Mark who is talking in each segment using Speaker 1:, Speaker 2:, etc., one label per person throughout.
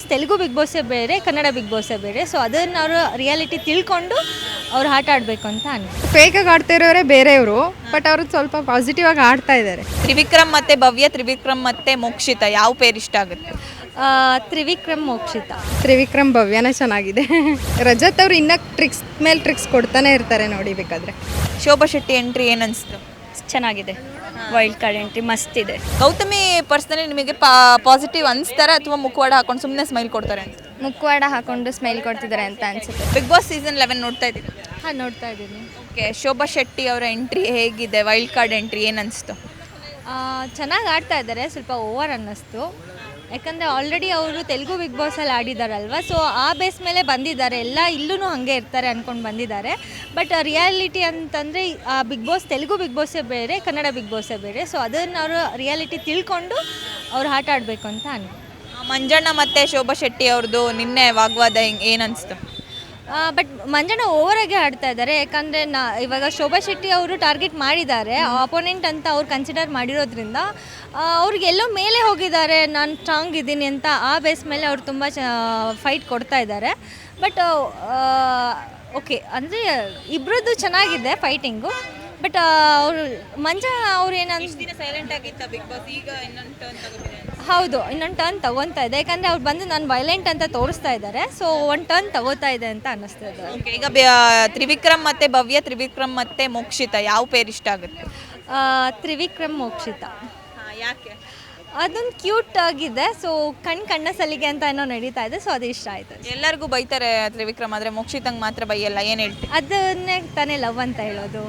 Speaker 1: Telugu big ಬಾಸೇ ಬೇರೆ, Kannada big ಬಾಸೇ ಬೇರೆ. ಸೊ ಅದನ್ನು ಅವರು ರಿಯಾಲಿಟಿ ತಿಳ್ಕೊಂಡು ಅವ್ರು ಆಟ ಆಡಬೇಕು ಅಂತ
Speaker 2: ಫೇಕಾಗಿ ಆಡ್ತಾ ಇರೋರೇ ಬೇರೆಯವರು, ಬಟ್ ಅವರು ಸ್ವಲ್ಪ ಪಾಸಿಟಿವ್ ಆಗಿ ಆಡ್ತಾ ಇದ್ದಾರೆ.
Speaker 3: ತ್ರಿವಿಕ್ರಮ್ ಮತ್ತೆ ಭವ್ಯ, ತ್ರಿವಿಕ್ರಮ್ ಮತ್ತೆ ಮೋಕ್ಷಿತ, ಯಾವ ಪೇರ್ ಇಷ್ಟ ಆಗುತ್ತೆ?
Speaker 1: ತ್ರಿವಿಕ್ರಮ್ ಮೋಕ್ಷಿತ.
Speaker 2: ತ್ರಿವಿಕ್ರಮ್ ಭವ್ಯನೇ ಚೆನ್ನಾಗಿದೆ. ರಜತ್ ಅವರು ಇನ್ನೂ ಟ್ರಿಕ್ಸ್ ಮೇಲೆ ಟ್ರಿಕ್ಸ್ ಕೊಡ್ತಾನೆ ಇರ್ತಾರೆ ನೋಡಿ ಬೇಕಾದ್ರೆ.
Speaker 3: ಶೋಭಾ ಶೆಟ್ಟಿ ಎಂಟ್ರಿ ಏನನ್ಸ್ತು?
Speaker 1: ಚೆನ್ನಾಗಿದೆ, ವೈಲ್ಡ್ ಕಾರ್ಡ್ ಎಂಟ್ರಿ ಮಸ್ತ್ ಇದೆ.
Speaker 3: ಗೌತಮಿ ಪರ್ಸನಲಿ ನಿಮಗೆ ಪಾಸಿಟಿವ್ ಅನಿಸ್ತಾರ ಅಥವಾ ಮುಖವಾಡ ಹಾಕೊಂಡು ಸುಮ್ಮನೆ ಸ್ಮೈಲ್ ಕೊಡ್ತಾರೆ ಅಂತ?
Speaker 1: ಮುಖವಾಡ ಹಾಕೊಂಡು ಸ್ಮೈಲ್ ಕೊಡ್ತಿದ್ದಾರೆ ಅಂತ ಅನ್ಸುತ್ತೆ.
Speaker 3: ಬಿಗ್ ಬಾಸ್ ಸೀಸನ್ 11 ನೋಡ್ತಾ ಇದ್ದೀರಾ?
Speaker 1: ಹಾಂ, ನೋಡ್ತಾ ಇದ್ದೀನಿ.
Speaker 3: ಓಕೆ, ಶೋಭಾ ಶೆಟ್ಟಿ ಅವರ ಎಂಟ್ರಿ ಹೇಗಿದೆ? ವೈಲ್ಡ್ ಕಾರ್ಡ್ ಎಂಟ್ರಿ ಏನನ್ನಿಸ್ತು?
Speaker 1: ಚೆನ್ನಾಗಿ ಆಡ್ತಾ ಇದ್ದಾರೆ, ಸ್ವಲ್ಪ ಓವರ್ ಅನ್ನಿಸ್ತು. ಯಾಕಂದರೆ ಆಲ್ರೆಡಿ ಅವರು ತೆಲುಗು ಬಿಗ್ ಬಾಸಲ್ಲಿ ಆಡಿದಾರಲ್ವ, ಸೊ ಆ ಬೇಸ್ ಮೇಲೆ ಬಂದಿದ್ದಾರೆ. ಎಲ್ಲ ಇಲ್ಲೂ ಹಾಗೆ ಇರ್ತಾರೆ ಅಂದ್ಕೊಂಡು ಬಂದಿದ್ದಾರೆ. ಬಟ್ ರಿಯಾಲಿಟಿ ಅಂತಂದರೆ ಬಿಗ್ ಬಾಸ್ ತೆಲುಗು ಬಿಗ್ ಬಾಸೇ ಬೇರೆ, ಕನ್ನಡ ಬಿಗ್ ಬಾಸೇ ಬೇರೆ. ಸೊ ಅದನ್ನು ಅವರು ರಿಯಾಲಿಟಿ ತಿಳ್ಕೊಂಡು ಅವ್ರು ಆಟ ಆಡಬೇಕು ಅಂತ
Speaker 3: ಮಂಜಣ್ಣ ಮತ್ತು ಶೋಭಾ ಶೆಟ್ಟಿ ಅವ್ರದ್ದು ನಿನ್ನೆ ವಾಗ್ವಾದ ಏನನ್ನಿಸ್ತು?
Speaker 1: ಬಟ್ ಮಂಜಣ್ಣ ಓವರಾಗಿ ಆಡ್ತಾ ಇದ್ದಾರೆ. ಯಾಕಂದರೆ ಇವಾಗ ಶೋಭಾ ಶೆಟ್ಟಿ ಅವರು ಟಾರ್ಗೆಟ್ ಮಾಡಿದ್ದಾರೆ, ಅಪೋನೆಂಟ್ ಅಂತ ಅವ್ರು ಕನ್ಸಿಡರ್ ಮಾಡಿರೋದ್ರಿಂದ ಅವ್ರಿಗೆ ಎಲ್ಲೋ ಮೇಲೆ ಹೋಗಿದ್ದಾರೆ, ನಾನು ಸ್ಟ್ರಾಂಗ್ ಇದ್ದೀನಿ ಅಂತ. ಆ ಬೇಸ್ ಮೇಲೆ ಅವ್ರು ತುಂಬ ಫೈಟ್ ಕೊಡ್ತಾ ಇದ್ದಾರೆ. ಬಟ್ ಓಕೆ, ಅಂದರೆ ಇಬ್ಬರದ್ದು ಚೆನ್ನಾಗಿದೆ ಫೈಟಿಂಗು. ಬಟ್ ಅವರು ಅವ್ರು ಏನಂತ
Speaker 3: ಸೈಲೆಂಟ್ ಆಗಿತ್ತ ಬಿಗ್ ಬಾಸ್, ಈಗ ಇನ್ನೊಂದು ಟರ್ನ್ ತಗೋತಿದೆ.
Speaker 1: ಹೌದು, ಇನ್ನೊಂದು ಟರ್ನ್ ತಗೊತಾ ಇದೆ. ಯಾಕಂದರೆ ಅವ್ರು ಬಂದು ನಾನು ವೈಲೆಂಟ್ ಅಂತ ತೋರಿಸ್ತಾ ಇದ್ದಾರೆ. ಸೊ ಒಂದು ಟರ್ನ್ ತಗೋತಾ ಇದೆ ಅಂತ ಅನ್ನಿಸ್ತಾ ಇದೆ.
Speaker 3: ಓಕೆ, ಈಗ ತ್ರಿವಿಕ್ರಮ್ ಮತ್ತು ಭವ್ಯ, ತ್ರಿವಿಕ್ರಮ್ ಮತ್ತು ಮೋಕ್ಷಿತ, ಯಾವ ಪೇರ್ ಇಷ್ಟ ಆಗುತ್ತೆ?
Speaker 1: ತ್ರಿವಿಕ್ರಮ್ ಮೋಕ್ಷಿತ.
Speaker 3: ಯಾಕೆ?
Speaker 1: ಅದೊಂದು ಕ್ಯೂಟ್ ಆಗಿದೆ. ಸೊ ಕಣ್ಣ ಸಲಿಗೆ ಅಂತ ಏನೋ ನಡೀತಾ ಇದೆ. ಸೊ ಅದು ಇಷ್ಟ ಆಯಿತು.
Speaker 3: ಎಲ್ಲರಿಗೂ ಬೈತಾರೆ ತ್ರಿವಿಕ್ರಮ್, ಆದರೆ ಮೋಕ್ಷಿತಂಗೆ ಮಾತ್ರ ಬೈಯಲ್ಲ, ಏನು ಹೇಳ್ತೀವಿ?
Speaker 1: ಅದನ್ನೇ ತಾನೇ ಲವ್ ಅಂತ ಹೇಳೋದು.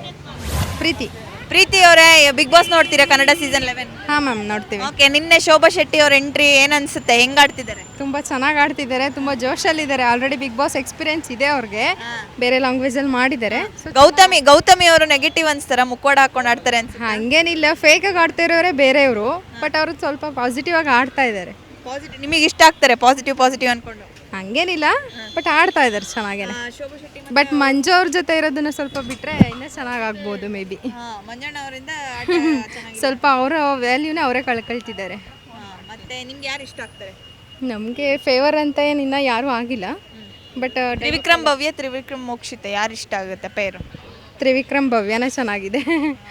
Speaker 3: ಪ್ರೀತಿ ಅವರೇ, ಬಿಗ್ ಬಾಸ್ ನೋಡ್ತೀರಾ ಕನ್ನಡ ಸೀಸನ್ 11?
Speaker 2: ಹಾಂ ಮ್ಯಾಮ್, ನೋಡ್ತೀವಿ.
Speaker 3: ಓಕೆ, ನಿನ್ನೆ ಶೋಭಾ ಶೆಟ್ಟಿ ಅವ್ರ ಎಂಟ್ರಿ ಏನನ್ಸುತ್ತೆ? ಹೆಂಗ್ ಆಡ್ತಿದ್ದಾರೆ?
Speaker 2: ತುಂಬ ಚೆನ್ನಾಗಿ ಆಡ್ತಿದ್ದಾರೆ, ತುಂಬ ಜೋಶಲ್ಲಿದ್ದಾರೆ. ಆಲ್ರೆಡಿ ಬಿಗ್ ಬಾಸ್ ಎಕ್ಸ್ಪೀರಿಯನ್ಸ್ ಇದೆ ಅವ್ರಿಗೆ, ಬೇರೆ ಲ್ಯಾಂಗ್ವೇಜಲ್ಲಿ ಮಾಡಿದ್ದಾರೆ.
Speaker 3: ಗೌತಮಿ ಅವರು ನೆಗೆಟಿವ್ ಅನ್ಸ್ತಾರ, ಮುಖವಾಡ ಹಾಕೊಂಡು ಆಡ್ತಾರೆ ಅಂತ?
Speaker 2: ಹಂಗೇನಿಲ್ಲ, ಫೇಕಾಗಿ ಆಡ್ತಾ ಇರೋರೇ ಬೇರೆಯವರು, ಬಟ್ ಅವರು ಸ್ವಲ್ಪ ಪಾಸಿಟಿವ್ ಆಗಿ ಆಡ್ತಾ ಇದ್ದಾರೆ.
Speaker 3: ಪಾಸಿಟಿವ್ ನಿಮಗೆ ಇಷ್ಟ ಆಗ್ತಾರೆ? ಪಾಸಿಟಿವ್ ಅನ್ಕೊಂಡು
Speaker 2: ಹಂಗೇನಿಲ್ಲ, ಬಟ್ ಆಡ್ತಾ ಇದ್ದಾರೆ ಚೆನ್ನಾಗೇನೆ. ಬಟ್ ಮಂಜು ಅವ್ರ ಜೊತೆ ಇರೋದನ್ನ ಸ್ವಲ್ಪ ಬಿಟ್ಟರೆ ಇನ್ನೂ ಚೆನ್ನಾಗಿ ಆಗ್ಬೋದು ಮೇ ಬಿ.
Speaker 3: ಮಂಜಣ್ಣ ಅವರಿಂದ
Speaker 2: ಸ್ವಲ್ಪ ಅವರ ವ್ಯಾಲ್ಯೂನೇ ಅವರೇ ಕಳ್ಕೊಳ್ತಿದ್ದಾರೆ.
Speaker 3: ಮತ್ತೆ ನಿಮ್ಗೆ ಯಾರು ಇಷ್ಟ ಆಗ್ತಾರೆ?
Speaker 2: ನಮಗೆ ಫೇವರ್ ಅಂತ ಏನು ಇನ್ನೂ ಯಾರೂ ಆಗಿಲ್ಲ. ಬಟ್
Speaker 3: ತ್ರಿವಿಕ್ರಮ್ ಭವ್ಯ, ತ್ರಿವಿಕ್ರಮ್ ಮೋಕ್ಷಿತ, ಯಾರು ಇಷ್ಟ ಆಗುತ್ತೆ ಪೇರು?
Speaker 2: ತ್ರಿವಿಕ್ರಮ್ ಭವ್ಯನೇ ಚೆನ್ನಾಗಿದೆ.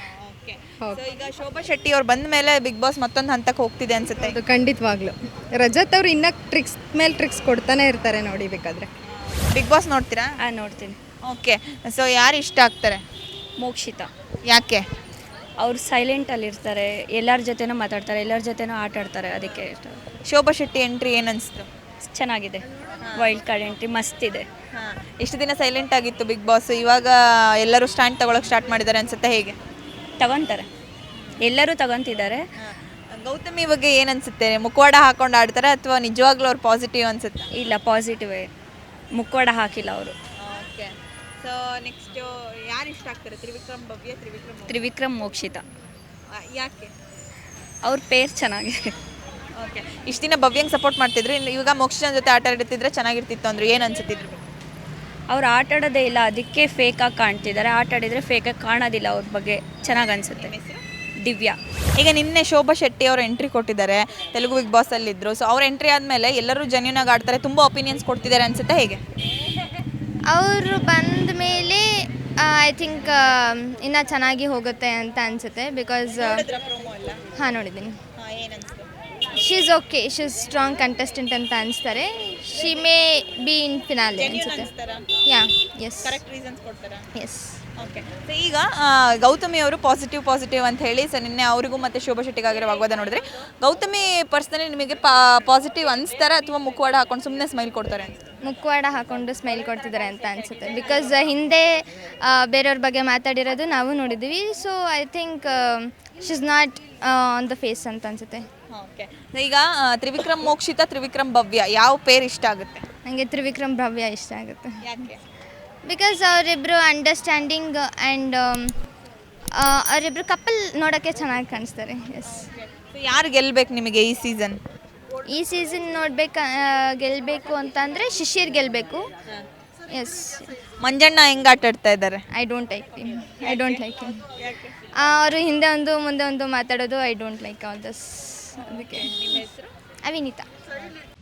Speaker 3: ಈಗ ಶೋಭಾ ಶೆಟ್ಟಿ ಅವ್ರು ಬಂದ ಮೇಲೆ ಬಿಗ್ ಬಾಸ್ ಮತ್ತೊಂದು ಹಂತಕ್ಕೆ ಹೋಗ್ತಿದೆ ಅನ್ಸುತ್ತೆ.
Speaker 2: ಅದು ಖಂಡಿತವಾಗ್ಲು. ರಜತ್ ಅವರು ಇನ್ನೂ ಟ್ರಿಕ್ಸ್ ಮೇಲೆ ಟ್ರಿಕ್ಸ್ ಕೊಡ್ತಾನೆ ಇರ್ತಾರೆ ನೋಡಿ ಬೇಕಾದ್ರೆ.
Speaker 3: ಬಿಗ್ ಬಾಸ್ ನೋಡ್ತೀರಾ?
Speaker 1: ನೋಡ್ತೀನಿ.
Speaker 3: ಓಕೆ, ಸೊ ಯಾರು ಇಷ್ಟ ಆಗ್ತಾರೆ?
Speaker 1: ಮೋಕ್ಷಿತ.
Speaker 3: ಯಾಕೆ?
Speaker 1: ಅವ್ರು ಸೈಲೆಂಟಲ್ಲಿ ಇರ್ತಾರೆ, ಎಲ್ಲರ ಜೊತೆನೂ ಮಾತಾಡ್ತಾರೆ, ಎಲ್ಲರ ಜೊತೆನೂ ಆಟ ಆಡ್ತಾರೆ, ಅದಕ್ಕೆ ಇಷ್ಟ.
Speaker 3: ಶೋಭಾ ಶೆಟ್ಟಿ ಎಂಟ್ರಿ ಏನನ್ನಿಸ್ತು?
Speaker 1: ಚೆನ್ನಾಗಿದೆ, ವೈಲ್ಡ್ ಕಾರ್ಡ್ ಎಂಟ್ರಿ ಮಸ್ತ್ ಇದೆ.
Speaker 3: ಇಷ್ಟು ದಿನ ಸೈಲೆಂಟ್ ಆಗಿತ್ತು ಬಿಗ್ ಬಾಸ್, ಇವಾಗ ಎಲ್ಲರೂ ಸ್ಟ್ಯಾಂಡ್ ತಗೊಳಕ್ಕೆ ಸ್ಟಾರ್ಟ್ ಮಾಡಿದ್ದಾರೆ ಅನ್ಸುತ್ತೆ, ಹೇಗೆ?
Speaker 1: ತಗೊತಾರೆ, ಎಲ್ಲರೂ ತಗೊತಿದ್ದಾರೆ.
Speaker 3: ಗೌತಮಿ ಬಗ್ಗೆ ಏನು ಅನ್ಸುತ್ತೆ? ಮುಖವಾಡ ಹಾಕೊಂಡು ಆಡ್ತಾರೆ ಅಥವಾ ನಿಜವಾಗ್ಲೂ ಅವ್ರು ಪಾಸಿಟಿವ್ ಅನ್ಸುತ್ತೆ?
Speaker 1: ಇಲ್ಲ, ಪಾಸಿಟಿವೇ, ಮುಖವಾಡ ಹಾಕಿಲ್ಲ ಅವರು.
Speaker 3: ಓಕೆ, ಸೊ ನೆಕ್ಸ್ಟ್ ಯಾರು ಇಷ್ಟ ಆಗ್ತಾರೆ? ತ್ರಿವಿಕ್ರಮ್ ಭವ್ಯ,
Speaker 1: ತ್ರಿವಿಕ್ರಮ್ ಮೋಕ್ಷಿತ.
Speaker 3: ಯಾಕೆ?
Speaker 1: ಅವ್ರ ಪೇರ್ ಚೆನ್ನಾಗಿದೆ.
Speaker 3: ಓಕೆ, ಇಷ್ಟು ದಿನ ಭವ್ಯಂಗೆ ಸಪೋರ್ಟ್ ಮಾಡ್ತಿದ್ರು, ಇವಾಗ ಮೋಕ್ಷಿತನ ಜೊತೆ ಆಟ ಆಡ್ತಿದ್ರೆ ಚೆನ್ನಾಗಿರ್ತಿತ್ತು ಅಂದ್ರೆ ಏನು ಅನ್ಸುತ್ತಿದ್ರು?
Speaker 1: ಅವ್ರು ಆಟ ಆಡೋದೇ ಇಲ್ಲ, ಅದಕ್ಕೆ ಫೇಕಾಗಿ ಕಾಣ್ತಿದ್ದಾರೆ. ಆಟ ಆಡಿದರೆ ಫೇಕಾಗಿ ಕಾಣೋದಿಲ್ಲ. ಅವ್ರ ಬಗ್ಗೆ ಚೆನ್ನಾಗಿ ಅನಿಸುತ್ತೆ. ದಿವ್ಯಾ.
Speaker 3: ಈಗ ನಿನ್ನೆ ಶೋಭಾ ಶೆಟ್ಟಿ ಅವರು ಎಂಟ್ರಿ ಕೊಟ್ಟಿದ್ದಾರೆ, ತೆಲುಗು ಬಿಗ್ ಬಾಸಲ್ಲಿದ್ದರು. ಸೊ ಅವ್ರ ಎಂಟ್ರಿ ಆದಮೇಲೆ ಎಲ್ಲರೂ ಜೆನ್ಯೂನ್ ಆಗಿ ಆಡ್ತಾರೆ, ತುಂಬ ಒಪಿನಿಯನ್ಸ್ ಕೊಡ್ತಿದ್ದಾರೆ ಅನ್ಸುತ್ತೆ, ಹೇಗೆ?
Speaker 4: ಅವರು ಬಂದ ಮೇಲೆ ಐ ಥಿಂಕ್ ಇನ್ನೂ ಚೆನ್ನಾಗಿ ಹೋಗುತ್ತೆ ಅಂತ ಅನಿಸುತ್ತೆ. ಬಿಕಾಸ್ ಹಾಂ, ನೋಡಿದ್ದೀನಿ. She is okay, she is strong contestant ಅಂತ ಅನಿಸ್ತಾರೆ. She may be in finale ಅನಿಸುತ್ತೆ. ಯಾ, ಎಸ್,
Speaker 3: ಕರೆಕ್ಟ್ ರೀಸನ್ಸ್ ಕೊಡ್ತಾರಾ?
Speaker 4: ಎಸ್.
Speaker 3: ಓಕೆ, ಸೊ ಈಗ ಗೌತಮಿ ಅವರು ಪಾಸಿಟಿವ್ ಅಂತ ಹೇಳಿ, ಸೊ ನಿನ್ನೆ ಅವರಿಗೂ ಮತ್ತು ಶೋಭಾ ಶೆಟ್ಟಿಗಾಗಿರೋ ವಾಗ್ವಾದ ನೋಡಿದ್ರೆ, ಗೌತಮಿ ಪರ್ಸನಲಿ ನಿಮಗೆ ಪಾಸಿಟಿವ್ ಅನಿಸ್ತಾರ ಅಥವಾ ಮುಖವಾಡ ಹಾಕೊಂಡು ಸುಮ್ಮನೆ ಸ್ಮೈಲ್ ಕೊಡ್ತಾರೆ ಅಂತ?
Speaker 4: ಮುಖವಾಡ ಹಾಕೊಂಡು ಸ್ಮೈಲ್ ಕೊಡ್ತಿದ್ದಾರೆ ಅಂತ ಅನಿಸುತ್ತೆ. ಬಿಕಾಸ್ ಹಿಂದೆ ಬೇರೆಯವ್ರ ಬಗ್ಗೆ ಮಾತಾಡಿರೋದು ನಾವು ನೋಡಿದ್ದೀವಿ. So I think she is not on the face ಅಂತ ಅನಿಸುತ್ತೆ.
Speaker 3: ಓಕೆ, ಈಗ ತ್ರಿವಿಕ್ರಮ್ ಮೋಕ್ಷಿತ, ತ್ರಿವಿಕ್ರಮ್ ಭವ್ಯ, ಯಾವ ಪೇರ್ ಇಷ್ಟ ಆಗುತ್ತೆ?
Speaker 4: ನನಗೆ ತ್ರಿವಿಕ್ರಮ್ ಭವ್ಯ ಇಷ್ಟ ಆಗುತ್ತೆ.
Speaker 3: ಯಾಕೆ?
Speaker 4: ಬಿಕಾಸ್ ಅವರಿಬ್ಬರು ಅಂಡರ್ಸ್ಟ್ಯಾಂಡಿಂಗ್ ಆ್ಯಂಡ್ ಅವರಿಬ್ಬರು ಕಪಲ್ ನೋಡೋಕ್ಕೆ ಚೆನ್ನಾಗಿ ಕಾಣಿಸ್ತಾರೆ. ಎಸ್.
Speaker 3: ಯಾರು ಗೆಲ್ಬೇಕು ನಿಮಗೆ ಈ ಸೀಸನ್?
Speaker 4: ಈ ಸೀಸನ್ ಗೆಲ್ಲಬೇಕು ಅಂತಂದರೆ ಶಿಶಿರ್ ಗೆಲ್ಲಬೇಕು. ಎಸ್.
Speaker 3: ಮಂಜಣ್ಣ ಹೆಂಗೆ ಆಟ ಆಡ್ತಾ ಇದ್ದಾರೆ?
Speaker 4: I don't like him. ಅವರು ಹಿಂದೆ ಒಂದು ಮುಂದೆ ಒಂದು ಮಾತಾಡೋದು I don't like all this. ಅದಕ್ಕೆ.
Speaker 3: ನಿಮ್ಮ ಹೆಸರು?
Speaker 4: ಅವಿನಿತಾ.